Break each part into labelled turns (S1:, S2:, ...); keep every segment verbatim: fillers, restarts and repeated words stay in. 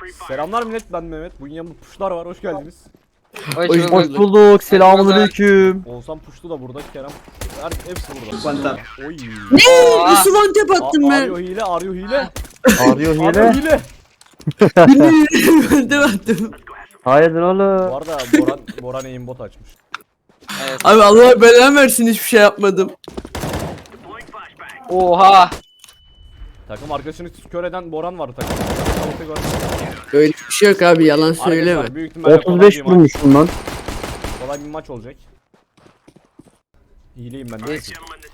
S1: Selamlar millet, ben Mehmet. Bugün yanımda puşlar var, hoş geldiniz.
S2: Hoş
S3: Hoş
S2: bulduk.
S3: bulduk. Selamünaleyküm.
S1: Oğuzhan puşlu da burada, Kerem. Her, hepsi burada. Oy.
S2: Aa.
S4: Nasıl one tap attım
S1: A-
S4: ben?
S1: Arıyor hile, arıyor hile.
S3: Arıyor
S1: Arıyor
S3: hile.
S1: hile.
S4: One tap attım.
S3: Hayırdır
S1: Bu
S3: oğlum?
S1: arada Boran, Boran aimbot açmış.
S2: Evet.
S4: Abi Allah belanı versin, hiçbir şey yapmadım.
S2: Oha.
S1: Takım arkadaşını kör eden Boran vardı takım.
S4: Öyle bir şey yok abi, yalan söyleme.
S1: Arkadaşlar, büyük ihtimalle
S3: otuz
S1: kolay
S3: beş
S1: bir maç.
S3: vurmuşum lan.
S1: Kolay bir maç olacak. Hileyim ben de.
S2: Hiç.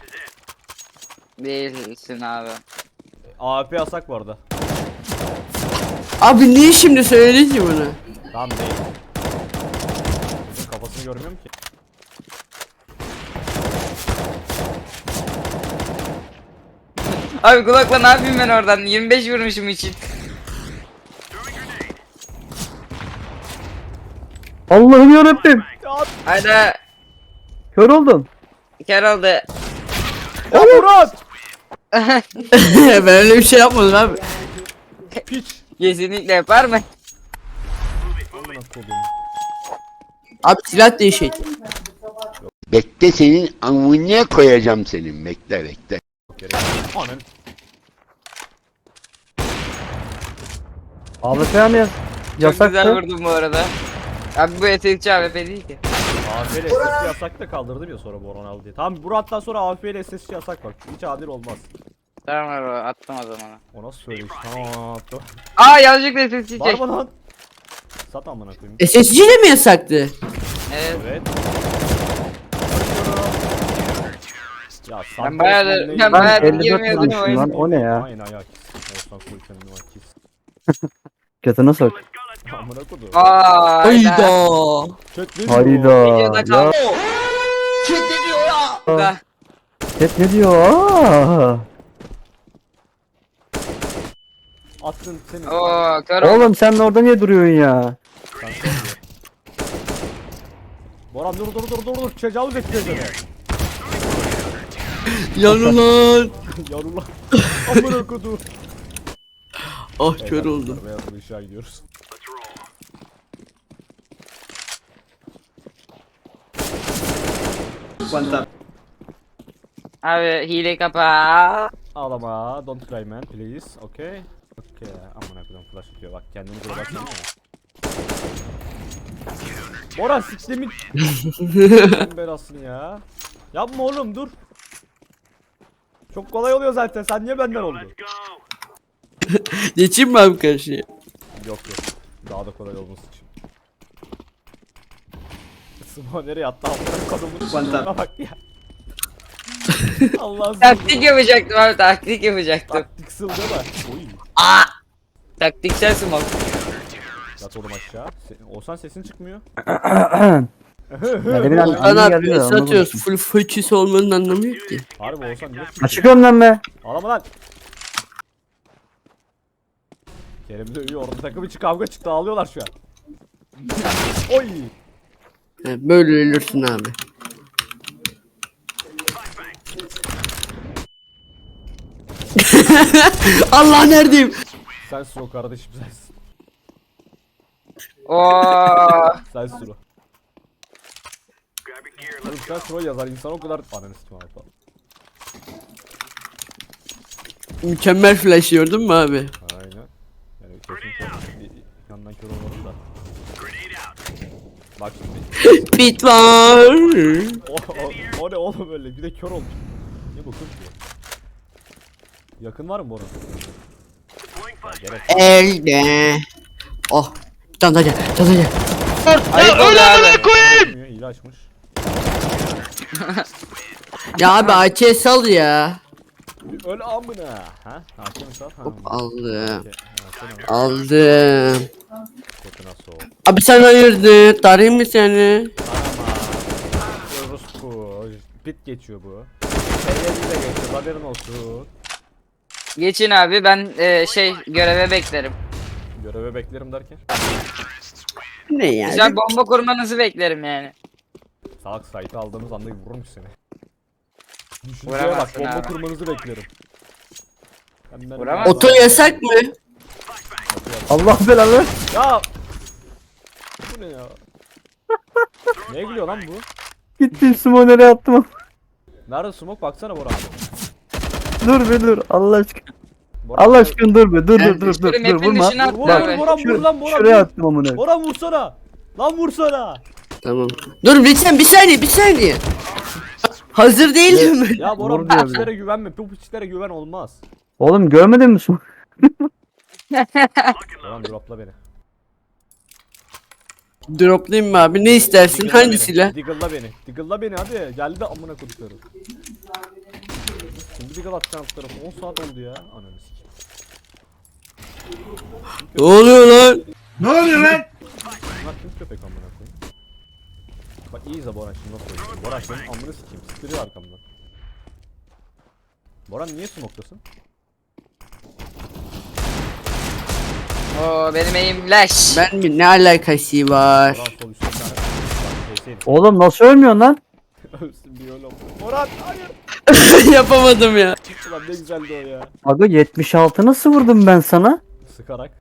S2: Değilsin abi.
S1: A W P yasak bu arada.
S4: Abi niye şimdi söyledin ki bunu?
S1: Tamam değil. Kızın kafasını görmüyorum ki.
S2: Abi kulakla ne yapayım ben oradan? yirmi beş vurmuşum için.
S3: Allah'ım yarabbim.
S2: Hayda.
S3: Kör oldum.
S2: Kör oldu.
S1: Ya Murat!
S4: Ben öyle bir şey yapmadım abi.
S1: Piç!
S2: Kesinlikle yapar mı?
S1: Amına kodum.
S4: Abi silah değişik.
S5: Bekle senin amına koyacağım senin. Bekle bekle.
S1: Anan.
S3: A W P mi yas?
S2: Çok güzel
S3: Yasaktı.
S2: vurdum bu arada. Abi bu etekçi A W P değil ki.
S1: A W P ile S S C yasak da kaldırdım ya sonra Boran aldı diye. Tamam bu hatta sonra A W P ile S S C yasak bak. Hiç adil olmaz.
S2: Tamam abi attım o zaman.
S1: O nasıl söyleyiş? Tamam attım.
S2: Aa yanlışlıkla ses çek.
S1: Var mı lan? Sat amına koyayım.
S4: S S G de mi yasaktı?
S2: Evet.
S1: Evet. Ya
S2: Ben bayağıdır- ben
S3: Ben
S2: bayağı
S3: elli dört
S2: girmiyordum
S3: vurmuşum lan. O ne ya?
S1: Aynen ayak. Olsan koy kendini bak kiss.
S3: Götüne sok.
S1: Amına kodum.
S2: Aa.
S4: Hayda.
S1: Çek ne diyor?
S3: Hayda.
S2: Videoda
S3: Ya.
S2: kaldı. Da.
S3: Chat ne diyor? Aa.
S1: Attın seni.
S2: Oo kör oldu.
S3: Oğlum sen orada niye duruyorsun ya?
S1: Sen söyle. Boran dur dur dur dur dur. Tecavüz et tecavüz.
S4: Yanılan.
S1: Yarula. Amına kodum.
S4: Ah kör oldum.
S1: Beyaz bir ışığa gidiyoruz.
S2: Abi hile kapa.
S1: Ağlama. Don't cry man please. Okay. Okay. Amına kodum flash atıyor bak kendini buraya baksana ya. Boran siklemin. Senin belasını ya. Yapma oğlum dur. Çok kolay oluyor zaten. Sen niye benden oldun?
S4: Geçeyim mi abi karşıya?
S1: Yok yok. Daha da kolay olması için. Sıma nereye attı? Amına kodumun şuna bak ya. Allah'ım.
S2: Taktik yapacaktım abi taktik yapacaktım.
S1: Taktik sıl değil mi? Oy.
S2: Taktiksel smoke.
S1: Yat oğlum aşağı. Se Olsan sesin çıkmıyor.
S3: Ya demin an-
S4: Lan
S3: anne
S4: abi
S3: geldi de
S4: S
S3: anlamadım.
S4: atıyoruz. Full fıçısı olmanın anlamı yok ki.
S1: Harbi Olsan niye
S3: Ha
S1: çıkıyor?
S3: çıkıyorum lan be.
S1: Ağlama lan. Kerem de uyuyor. Orada takım içi kavga çıktı. Ağlıyorlar şu an. Oy.
S4: He, böyle ölürsün abi. Allah neredeyim?
S1: Sensin o kardeşim sensin.
S2: Oo.
S1: Sensin o. Oğlum sen Suro yazar. İnsan o kadar... Ananı sikim abi falan.
S4: Mükemmel flash gördün mü abi?
S1: Aynen. Yani kesin kör. Bir yandan kör olmadım da. Bak şimdi.
S4: Pit var.
S1: O, o, o ne oğlum öyle? Bir de kör olmuş. Ne bu kız diyor. Yakın var mı Boran? Ya gerek yok.
S4: Elde. Oh. Çantacı, çantacı.
S2: Ayıp oldu abi.
S1: Bilmiyor, hile açmış.
S4: Ya abi A K sal ya.
S1: Öyle amına. Ha? Hakem sat. Ha.
S4: Aldım.
S1: Okey, ha, sen al.
S4: Aldım.
S1: Götüne soğuk.
S4: Abi sen hayırdır? Tarayayım mı seni?
S1: Anama. Orospu. Pit geçiyor bu. Seyirci de geçiyor. Haberin olsun.
S2: Geçin abi ben e, şey göreve beklerim.
S1: Göreve beklerim derken.
S4: Ne yani?
S2: Güzel bomba kurmanızı beklerim yani.
S1: Salak site'ı aldığımız anda vururmuş seni. Düşünceye bak
S2: Vuramazsın
S1: bomba
S2: abi.
S1: kurmanızı beklerim. Hem ben-
S2: Vuramazsın.
S4: Oto yasak mı?
S3: Allah belanı.
S1: Ya. Bu ne ya? Neye gülüyor lan bu?
S3: Gittim smoner'e attım.
S1: Nerede smoke? Baksana Bora abi.
S3: Dur be dur. Allah aşkına.
S1: Bora
S3: Allah
S1: abi.
S3: aşkına dur be. Dur dur dur dur.
S2: Şöyle
S3: Dur
S2: map'in
S3: vurma.
S2: dışına at
S1: Vur
S2: Bak,
S1: vur
S2: abi.
S1: Boran vur lan Boran.
S3: Şuraya
S1: vur.
S3: attım amına.
S1: Boran vursana. Lan vursana.
S4: Tamam. Dur lütfen bir saniye bir saniye. Hazır değilim ben.
S1: Ya Boran
S3: Vur
S1: bu
S3: diyor bir de.
S1: piçlere güvenme. Bu piçlere güven olmaz.
S3: Oğlum görmedin mi smoke?
S1: Boran dropla beni.
S4: Droplayayım mı abi? Ne istersin?
S1: Diggle'la
S4: Hangi
S1: beni,
S4: silah?
S1: Diggle'la beni. Diggle'la beni hadi. Geldi amına koduklarım. Şimdi diggle atacağım alt tarafı. on saat oldu ya. Ananı sikeyim.
S4: Ne oluyor lan?
S1: Bunlar kim köpek amına koyayım? Bak iyi izle Boran şimdi nasıl oynuyor. Boran senin amını sikeyim. Sıktırıyor arkamdan. Boran niye smoke'tasın?
S2: Oo benim eğim leş.
S4: Ben mi? Ne alakası var?
S1: Boran sol üstte bir tane. Bak P S'ydi.
S3: Oğlum nasıl ölmüyorsun lan?
S1: Ölsün bir öyle oldu. Boran hayır.
S4: Yapamadım ya.
S1: Ulan ne güzeldi o ya.
S3: Aga yetmiş altı nasıl vurdum ben sana?
S1: Sıkarak.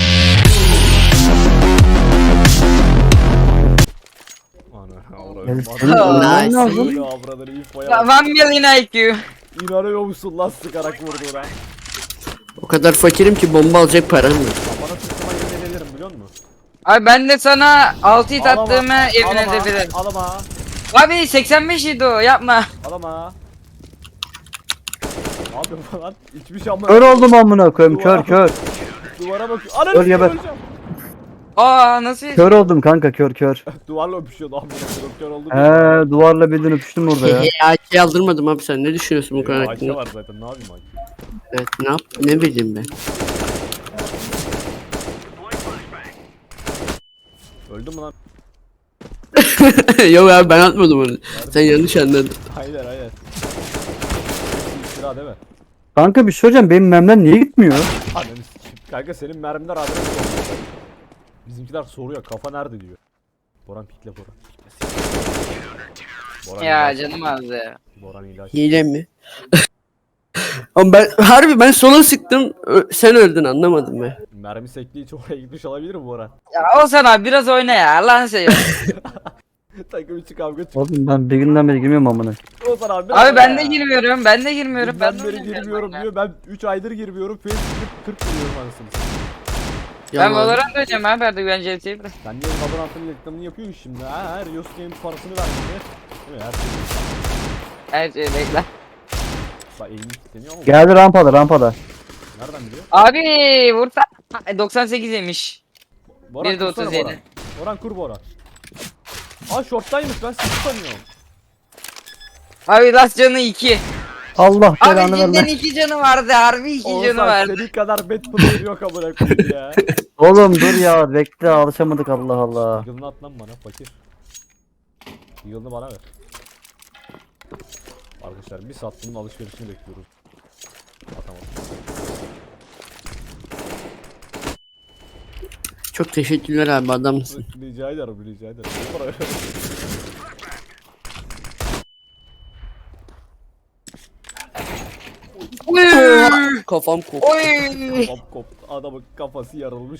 S1: Ana avradım.
S3: Yani senin
S1: Adam-
S3: ölmen
S4: Nice.
S3: lazım.
S1: Böyle avraları infoya
S2: Ya,
S1: bak.
S2: One million I Q.
S1: İnanıyor musun lan sıkarak vurdu ona.
S4: O kadar fakirim ki bomba alacak param yok.
S1: Ya bana sıkıma yemin ederim biliyor musun?
S2: Abi ben de sana altı hit
S1: Alama,
S2: attığımı yemin
S1: alama,
S2: edebilirim.
S1: Alama.
S2: Abi seksen beş idi o yapma.
S1: Alama. Abi falan hiçbir şey ama.
S3: Kör oldum amına koyayım kör kör.
S1: Duvara bakıyor. Ananı
S3: Öl
S1: sikeyim,
S3: geber.
S1: öleceğim.
S2: Aa nasıl?
S3: Kör oldum kanka kör kör.
S1: Duvarla öpüşüyordu amına koyayım. Kör oldu.
S3: He duvarla birden öpüştüm orada ya.
S4: A K aldırmadım abi sen ne düşünüyorsun bu konu
S1: Ayşe
S4: hakkında?
S1: var zaten ne yapayım Ayşe?
S4: Evet ne yap ne bileyim ben.
S1: Öldü mü lan?
S4: Yok abi ben atmadım onu. Sen yanlış anladın.
S1: Hayır hayır. İftira değil mi?
S3: Kanka bir şey söyleyeceğim benim memden niye gitmiyor?
S1: Ananı sikeyim. Kanka senin mermiler adres soruyor. Bizimkiler soruyor kafa nerede diyor. Boran pikle Boran. Pikle. Boran
S2: Ya
S1: ilaç.
S2: canım azdı ya.
S1: Boran ilaç.
S4: Hile mi? Ama ben harbi ben sola sıktım ö- sen öldün anlamadım ben.
S1: Mermi sektiği için oraya gitmiş olabilir mi Boran?
S2: Ya Olsan abi biraz oyna ya Allah'ını seviyorsun.
S1: Takım içi kavga çıktı.
S3: Oğlum ben bir günden beri girmiyorum amına.
S1: Olsan abi. biraz
S2: Abi ben
S1: oyna
S2: de
S1: ya.
S2: girmiyorum ben de girmiyorum.
S1: Ben
S2: Ben de
S1: beri
S2: oynamıyorum
S1: girmiyorum
S2: oyuna.
S1: diyor. Ben üç aydır girmiyorum. Face kırk giriyorum anasını satayım.
S2: Ben
S4: Yalan.
S2: Valorant oynayacağım abi artık ben C T'yi bırak.
S1: Sen niye Valorant'ın reklamını yapıyorsun şimdi? Ha, her Riot Games parasını vermedi. Değil mi? Her şey.
S2: Her şey bekle.
S1: Bak eğimi kilitleniyor ama
S3: Geldi rampada rampada.
S1: nereden biliyor?
S2: Abi vursa doksan sekiz yemiş.
S1: Boran
S2: Bir de
S1: kursana
S2: otuz yedi.
S1: Boran. Boran kur Boran. Aa shorttaymış ben sizi sanıyorum.
S2: Abi last canı iki.
S3: Allah
S2: Abi
S3: belanı
S2: cidden
S3: verme.
S2: iki canı vardı harbi iki canı
S1: Oğuzhan
S2: vardı.
S1: senin kadar bad player yok amına koyayım ya.
S3: Oğlum dur ya bekle alışamadık Allah Allah.
S1: Yılını at lan bana fakir. Yılını bana ver. Arkadaşlar bir saat bunun alışverişini bekliyoruz. Atamadım.
S4: Çok teşekkürler abi adamsın.
S1: Rica ederim rica ederim. Ne para ver?
S4: Kafam koptu.
S2: Oy.
S1: Kop koptu. Adamın kafası yarılmış.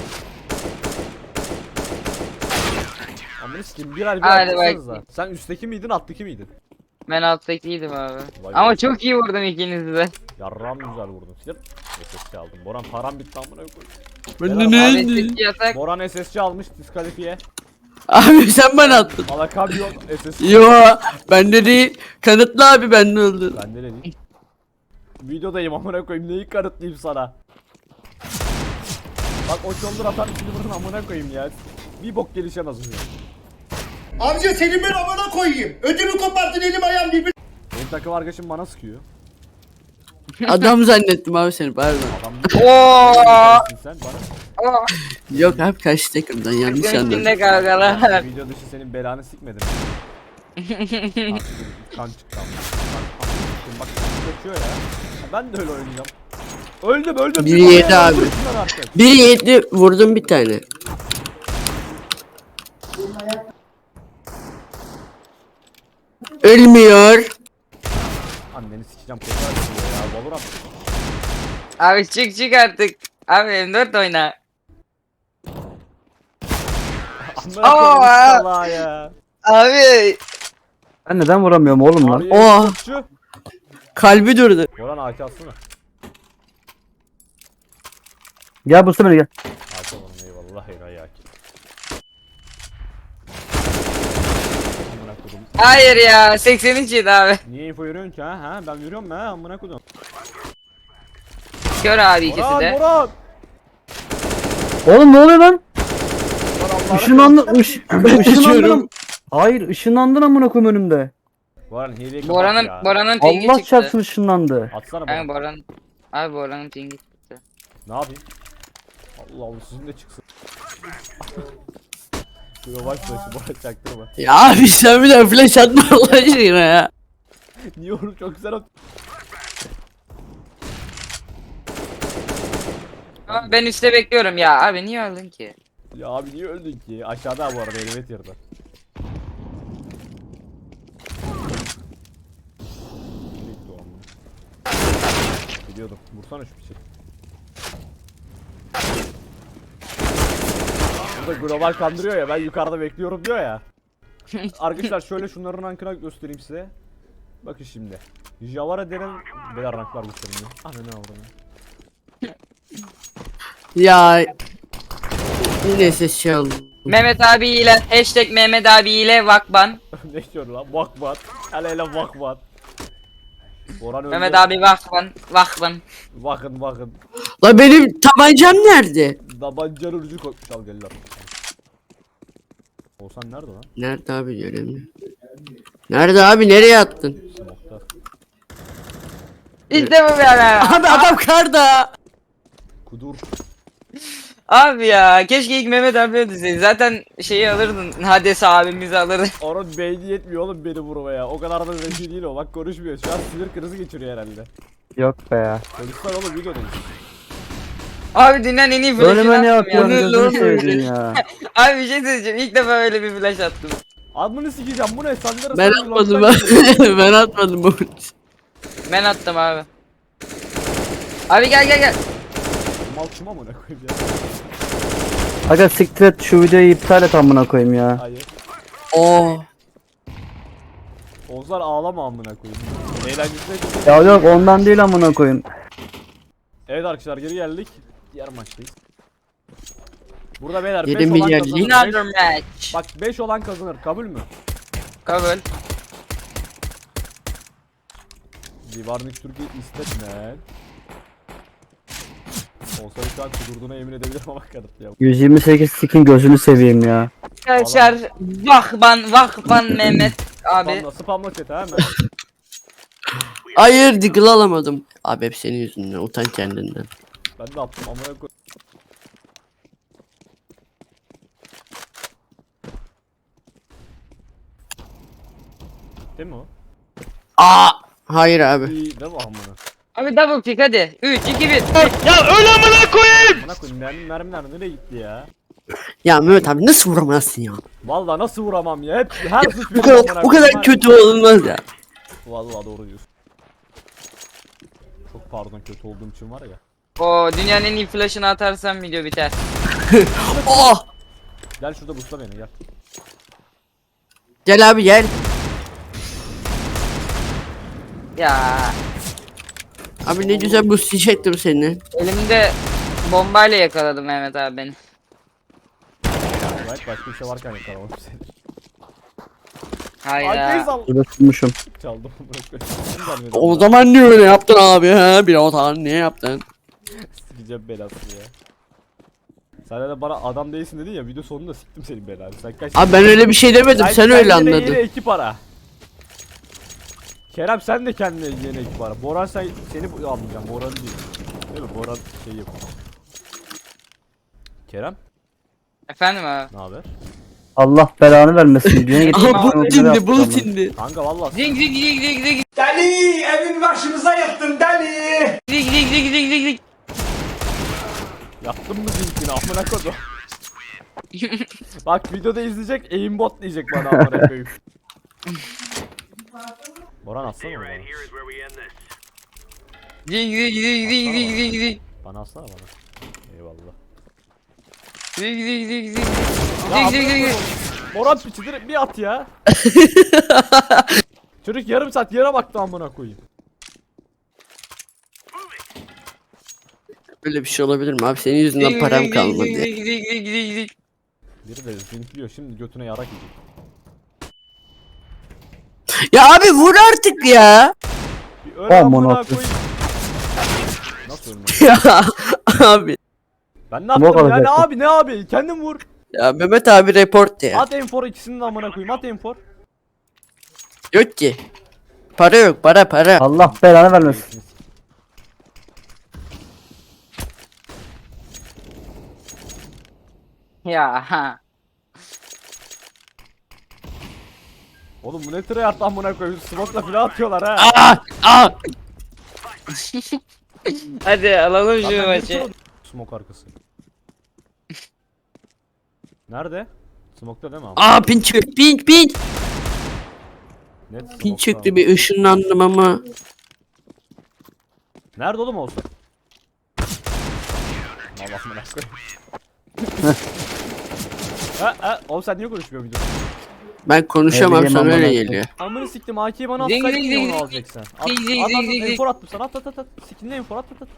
S1: Amına sikeyim bir ay bir
S2: Hadi
S1: atsanıza.
S2: bak.
S1: Sen üstteki miydin alttaki miydin?
S2: Ben alttakiydim abi.
S1: Vay
S2: Ama
S1: be.
S2: çok iyi vurdum ikinizi de.
S1: Yarram güzel vurdun. Gidip S S C aldım. Boran param bitti amına koyayım.
S4: Ben
S1: Helal
S4: de
S2: Abi
S4: ne?
S2: tek yasak.
S1: Boran S S C almış diskalifiye.
S4: Abi sen bana attın.
S1: Alakam yok S S C.
S4: Yo bende değil. Kanıtlı abi bende öldü.
S1: Bende de değil. Videodayım amına koyayım neyi kanıtlayayım sana. Bak o shoulder atan silver'ın amına koyayım ya. Bir bok gelişemez bu.
S6: Amca senin ben amına koyayım. Ödümü koparttın elim ayağım birbirine.
S1: Benim takım arkadaşım bana sıkıyor.
S4: Adam zannettim abi seni pardon.
S1: Adam
S2: Oo.
S1: sen bana.
S2: Oo.
S4: Yok abi karşı takımdan yanlış anladım.
S2: Üstünde kavgalar.
S1: Video dışı senin belanı sikmedim. Artık kan çıktı ama. Kan- kan- Bak kaçıyor ya. Ben de öyle oynayacağım. Öldüm öldüm.
S4: Biri
S1: Bir
S4: yedi
S1: oraya
S4: abi.
S1: vursunlar artık.
S4: Bir yedi vurdum bir tane. Ölmüyor.
S1: Anneni sikeceğim tekrar ediyor ya. Valorant.
S2: Abi çık çık artık. Abi M dört oyna.
S1: Amına
S2: Aa!
S1: koyayım salağa ya.
S2: Abi.
S3: Ben neden vuramıyorum oğlum lan?
S1: Abi
S4: Oha.
S1: şu.
S4: Kalbi durdu.
S1: Boran A K atsana.
S3: Gel bu beni gel.
S1: A K oğlum eyvallah eyvallah A K. Amına kodum.
S2: Hayır ya seksen üç yedi abi.
S1: Niye info veriyorsun ki ha? Ha ben veriyorum ha amına kodum.
S2: Kör abi ikisi
S1: Boran
S2: de.
S1: Boran.
S3: Oğlum ne oluyor lan?
S1: Boran Allah'ını
S3: Işınlandın. Iş, ışınlandın.
S4: Geçiyorum.
S3: Hayır ışınlandın amına koyayım önümde.
S1: Boran hileyi kapat
S2: Boran'ın
S1: ya.
S2: Boran'ın pingi
S3: Allah
S2: çıktı.
S3: çarpsın ışınlandı.
S1: Atsana
S2: Kanka
S1: Boran.
S2: Boran. Abi Boran'ın pingi çıktı.
S1: Ne yapayım? Allah Allah sizin de çıksın. Global flash'ı Boran çaktırma.
S4: Ya abi sen bir daha flash atma Allah aşkına ya.
S1: Niye oğlum çok güzel at.
S2: Ama ben üstte bekliyorum ya. Abi niye öldün ki?
S1: Ya abi niye öldün ki? Aşağıda bu arada elevator'da. Bekle oğlum. Biliyordum. Vursana şu piçi. Burada global kandırıyor ya ben yukarıda bekliyorum diyor ya. Arkadaşlar şöyle şunların rankına göstereyim size. Bakın şimdi. Javara denen beyler ranklar göstereyim. Ana ne oldu?
S4: Ya yine ses çaldı.
S2: Mehmet abi ile hashtag Mehmet abi ile vakban.
S1: Ne diyor lan? Vakbat. Hele hele vakbat. Boran öldü.
S2: Mehmet abi vakban. Vakban.
S1: Bakın bakın.
S4: La benim tabancam nerede?
S1: Dabancanın ucu koymuş al gel lan. Olsan nerede lan?
S4: Nerede abi göremiyorum. Nerede abi nereye attın?
S1: Smoke'ta.
S2: İşte bu be abi.
S4: Abi adam karda.
S1: Kudur.
S2: Abi ya keşke ilk Mehmet abi öldürseydi. Zaten şeyi alırdın. Hades abimizi alırdın.
S1: Onun beyni yetmiyor oğlum beni vurmaya. O kadar da zeki değil o. Bak konuşmuyor. Şu an sinir krizi geçiriyor herhalde.
S3: Yok be ya.
S1: Konuşsana oğlum videodayız.
S2: Abi dünyanın en iyi flash'ını
S3: Ölüme ne
S2: attım ya.
S3: yapıyorsun
S2: Dur,
S3: gözünü
S2: dur, dur.
S3: seveyim ya.
S2: Abi bir şey söyleyeceğim. İlk defa öyle bir flash attım.
S1: Admını sikeceğim bu ne? Sandra
S4: Ben
S1: sen
S4: atmadım
S1: long'dan geliyor.
S4: ben. Ben atmadım bu.
S2: Ben attım abi. Abi gel gel gel.
S1: Mal kim amına koyayım ya?
S3: Aga siktir et şu videoyu iptal et amına koyayım ya.
S1: Hayır.
S4: Oo.
S1: Ozlar ağlama amına koyayım. Eğlencesine gidiyor.
S3: Ya yok ondan değil amına koyayım.
S1: Evet arkadaşlar geri geldik. Diğer maçtayız. Burada beyler
S4: Yedi
S1: beş olan
S4: milyar
S1: kazanır.
S4: lig.
S2: Another
S1: Beş-
S2: match.
S1: Bak beş olan kazanır. Kabul mü?
S2: Kabul.
S1: Divarnik Türkiye istetme. Olsa şu an kudurduğuna yemin edebilirim ama kanıt ya.
S3: yüz yirmi sekiz skin gözünü seveyim ya.
S2: Arkadaşlar vakban vakban Mehmet abi.
S1: Spamla, spamla chat'e hemen.
S4: Hayır digil alamadım. Abi hep senin yüzünden utan kendinden.
S1: Ben de attım amına koy. Değil mi o?
S4: Aa. Hayır abi.
S1: İyi değil mi amına?
S2: Abi double pick hadi. üç iki bir.
S1: Amına koyayım mermi mermiler nereye gitti ya?
S4: Ya Mehmet abi nasıl vuramazsın ya?
S1: Vallahi nasıl vuramam ya? Hep her suç
S4: Bu
S1: benim
S4: kadar
S1: amına
S4: bu
S1: koyayım.
S4: kadar kötü olmaz ya.
S1: Vallahi doğru diyorsun. Çok pardon kötü olduğum için var ya.
S2: O dünyanın en iyi flash'ını atarsam video biter.
S4: Oh.
S1: Gel şurada busla beni gel.
S4: Gel abi gel.
S2: Ya
S4: Abi ne güzel bu çektim seni.
S2: elimde bombayla yakaladı Mehmet abi beni.
S1: Evet başka bir şey varken yakalamak seni.
S2: Hayır
S1: Arkayı
S2: ya.
S1: sal.
S3: Burada tutmuşum.
S1: Çaldım amına koyayım.
S4: O zaman niye öyle yaptın abi ha? Bir o zaman niye yaptın?
S1: Sikeceğim belasını ya. Sen de bana adam değilsin dedin ya video sonunda siktim senin belanı. Sen kaç...
S4: Abi ben öyle bir şey demedim sen öyle
S1: kendine
S4: anladın.
S1: Yeni ekip ara. Kerem sen de kendine yeni ekip ara. Boran sen seni bu- almayacağım. Boran değil. Değil mi? Boran şey yapıyor. Kerem
S2: Efendim abi.
S1: ne haber?
S3: Allah belanı vermesin. Düğüne git.
S4: Aha bu tindi bu tindi.
S1: Kanka vallahi
S2: Zing zing zing zing zing
S6: Deli evin başımıza yıktın deli.
S2: zing zing zing zing zing zing.
S1: yaptın mı zinkini amına kodum. Bak videoda izleyecek aimbot diyecek bana amına koyayım. Boran atsana bana.
S2: Zing zing zing zing zing zing zing.
S1: Bana atsana bana. Eyvallah.
S2: Gidiyor gidiyor gidiyor gidiyor.
S1: Ya
S2: Gidiyor gidiyor gidiyor.
S1: Morat piçidir bir at ya. Çocuk yarım saat yere baktı amına koyayım.
S4: Böyle bir şey olabilir mi abi? Senin yüzünden param kalmadı.
S2: Gidiyor gidiyor gidiyor gidiyor gidiyor.
S1: Biri de zinkliyor şimdi götüne yarak yiyecek.
S4: Ya abi vur artık ya.
S1: Bir öyle
S3: Aman
S1: amına
S3: Allah'ım.
S1: koyayım. Nasıl ölmüyor?
S4: Ya abi.
S1: Ben ne yaptım
S3: kadar
S1: ya ne
S3: zaten.
S1: abi ne abi kendin vur.
S4: Ya Mehmet abi report ya.
S1: At enfor ikisini de amına koyayım at enfor.
S4: Yok ki. Para yok para para.
S3: Allah belanı vermesin.
S2: Ya ha.
S1: Oğlum bu ne tryhard amına koyayım smoke'la filan atıyorlar ha.
S4: Aa, aa.
S2: Hadi alalım
S1: Lan
S2: şu
S1: ben
S2: maçı.
S1: geçiyorum. Smoke arkası. Nerede? Smoke'ta değil mi abi?
S4: Aa pin çıktı. Pin pin.
S1: Net
S4: Pin
S1: smoke'ta
S4: çıktı
S1: abi.
S4: bir ışınlandım ama.
S1: Nerede oğlum olsun? Allah amına koyayım. Ha ha oğlum sen niye konuşmuyorsun videoda?
S4: Ben konuşamam
S3: Ne bileyim
S4: sana öyle
S3: amına
S4: geliyor.
S1: Amını siktim A K'yi bana
S2: Ding,
S1: atsaydın
S2: ding,
S1: niye
S2: ding,
S1: onu
S2: ding.
S1: alacaksın? At
S2: Ding,
S1: at
S2: ding,
S1: at
S2: ding, ding,
S1: at
S2: ding.
S1: enfor attım sana at at at at. Skinle enfor at at at.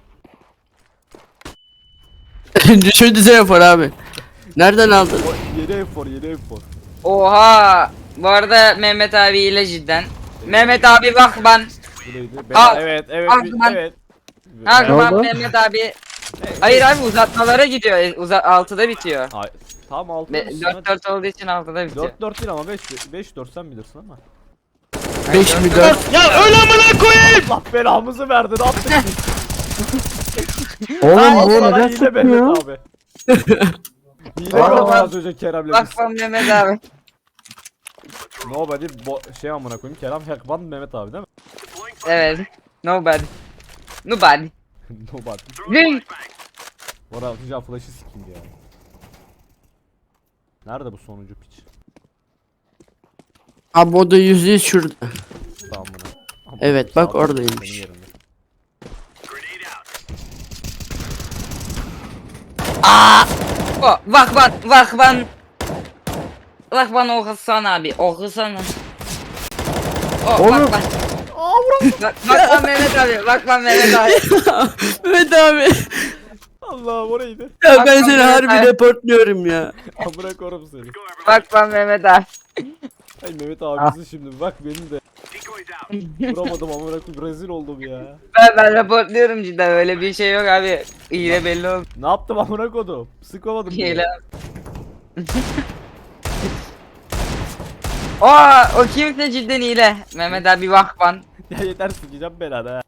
S4: Düşündüze yapar abi. Nereden aldın?
S1: O yeni enfor yeni enfor.
S2: Oha. Bu arada Mehmet abi ile cidden. Mehmet abi bak ben.
S1: Bu neydi? Ben,
S2: Al.
S1: evet evet
S2: Al,
S1: bir-
S2: ben-
S1: evet.
S2: Her
S3: Ne
S2: zaman
S3: oldu?
S2: Mehmet abi. Hayır abi uzatmalara gidiyor. E, Uza altıda bitiyor.
S1: Ay, tam altı.
S2: dört dört olduğu için altıda bitiyor.
S1: dört dört değil ama beş beş dört sen bilirsin ama.
S4: beş mi dört?
S1: Ya öyle amına koyayım. Allah belamızı verdi ne yaptık biz?
S3: Oğlum
S1: Al
S3: bu
S1: sana
S3: neden
S1: hile
S3: çıkmıyor?
S1: Mehmet abi. Hile
S3: Aa.
S1: gördüm az önce Kerem'le
S2: Bak
S1: biz.
S2: bak Mehmet abi.
S1: Nobody bo şey amına koyayım Kerem Hackman Mehmet abi değil mi?
S2: Evet. Nobody. Nobody.
S1: Nobody.
S2: Zing.
S1: Bora atacağım flash'ı sikeyim ya. Nerede bu sonuncu piç?
S4: Abi o da yüzde yüz şurada.
S1: Tamam buna. Ama
S4: Evet, bak
S1: sağda,
S4: oradaymış.
S1: senin yerinde.
S2: Oh, bak bak bak ben. Bak bana okusana abi. Okusana. Oh,
S3: Oğlum.
S2: bak bak. Bak bak lan Mehmet abi. Bak lan Mehmet abi.
S4: Evet abi.
S1: Allah o neydi?
S4: Ya ben
S2: Bak,
S4: seni
S2: bak,
S4: harbi
S2: Mehmet abi.
S4: reportluyorum ya.
S1: Amına korum seni.
S2: Bak lan Mehmet abi.
S1: Ay Mehmet abisi şimdi bak benim de. Vuramadım amına koyayım rezil oldum ya.
S2: Ben, ben raportluyorum cidden öyle bir şey yok abi. İyi belli oldu.
S1: Ne yaptım amına kodum? Sıkamadım. bile.
S2: Hile. Aa o kimse cidden hile. Mehmet abi vakfan.
S1: Ya yeter sikeceğim belanı ha.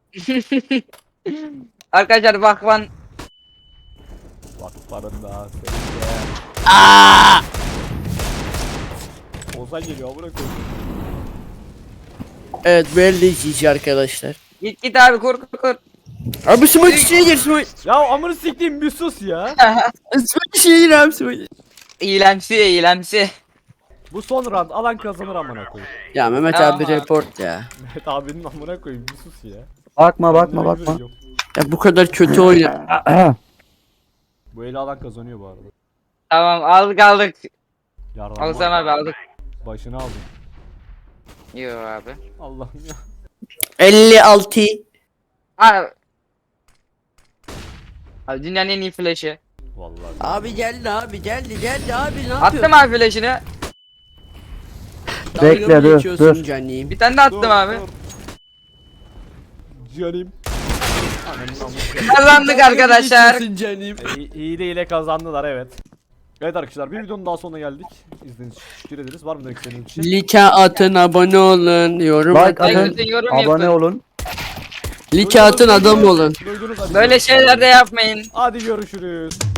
S2: Arkadaşlar vakfan.
S1: Bak paranın daha senin de. Ozan geliyor amına koyayım.
S4: Evet böyle izleyici arkadaşlar.
S2: Git git abi kur kur kur.
S4: Abi smoke içine gir smoke.
S1: Ya amını siktiğim bir sus ya.
S4: Smoke içine gir abi smoke.
S2: İyilemsi iyilemsi.
S1: Bu son round alan kazanır amına koyayım.
S4: Ya Mehmet
S2: Tamam
S4: abi
S2: abi.
S4: report ya.
S1: Mehmet abinin amına koyayım bir sus ya.
S3: Bakma bakma
S1: Kendime
S3: bakma.
S1: güveniyorum.
S4: Ya bu kadar kötü oyna.
S1: Bu eli alan kazanıyor bu arada.
S2: Tamam aldık aldık.
S1: Yardım.
S2: Alsan abi aldık.
S1: Başını aldım.
S2: Yo abi.
S1: Allah'ım ya.
S4: elli altı.
S2: Abi. Abi dünyanın en iyi flash'ı.
S1: Vallahi.
S4: Abi geldi abi geldi geldi abi ne yapıyorsun?
S2: Attım abi flash'ını.
S4: Dalga
S3: Bekle,
S4: mı
S3: dur,
S4: geçiyorsun
S3: dur.
S4: canim?
S2: Bir tane de attım
S1: Dur,
S2: abi.
S1: dur. Canım. Ananın amına
S2: Kazandık arkadaşlar.
S4: Geçiyorsun canim.
S1: İyi, iyi de ile kazandılar evet. Evet arkadaşlar bir videonun daha sonuna geldik. İzlediğiniz için teşekkür ederiz. Var mı demek istediğiniz bir şey?
S4: Like atın abone olun yorum
S3: Like
S4: atın.
S3: atın.
S2: Like yorum
S3: Abone
S2: yapın.
S3: olun.
S4: Like atın adam olun.
S1: Duydunuz, hadi
S2: Böyle
S1: görüşürüz.
S2: şeyler de yapmayın.
S1: Hadi görüşürüz.